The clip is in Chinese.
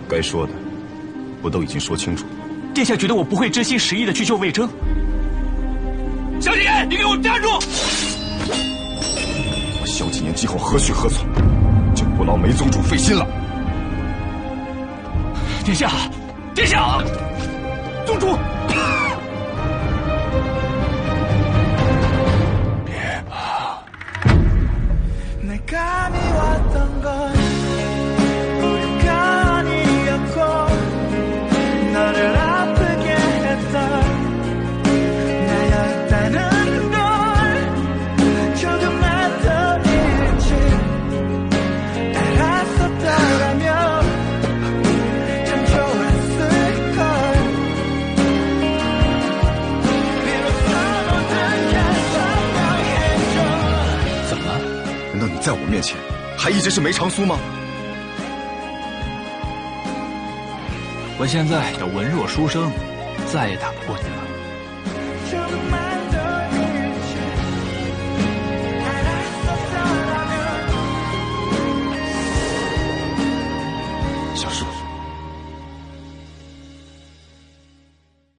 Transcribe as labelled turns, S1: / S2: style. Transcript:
S1: 该说的，不都已经说清楚了？
S2: 殿下觉得我不会真心实意的去救魏征？萧景琰，你给我站住！
S1: 我萧景琰今后何去何从，就不劳梅宗主费心了。
S2: 殿下，殿下，宗主。
S1: 在我面前，还一直是梅长苏吗？
S2: 我现在要文弱书生，再也打不过你了。
S1: 小树。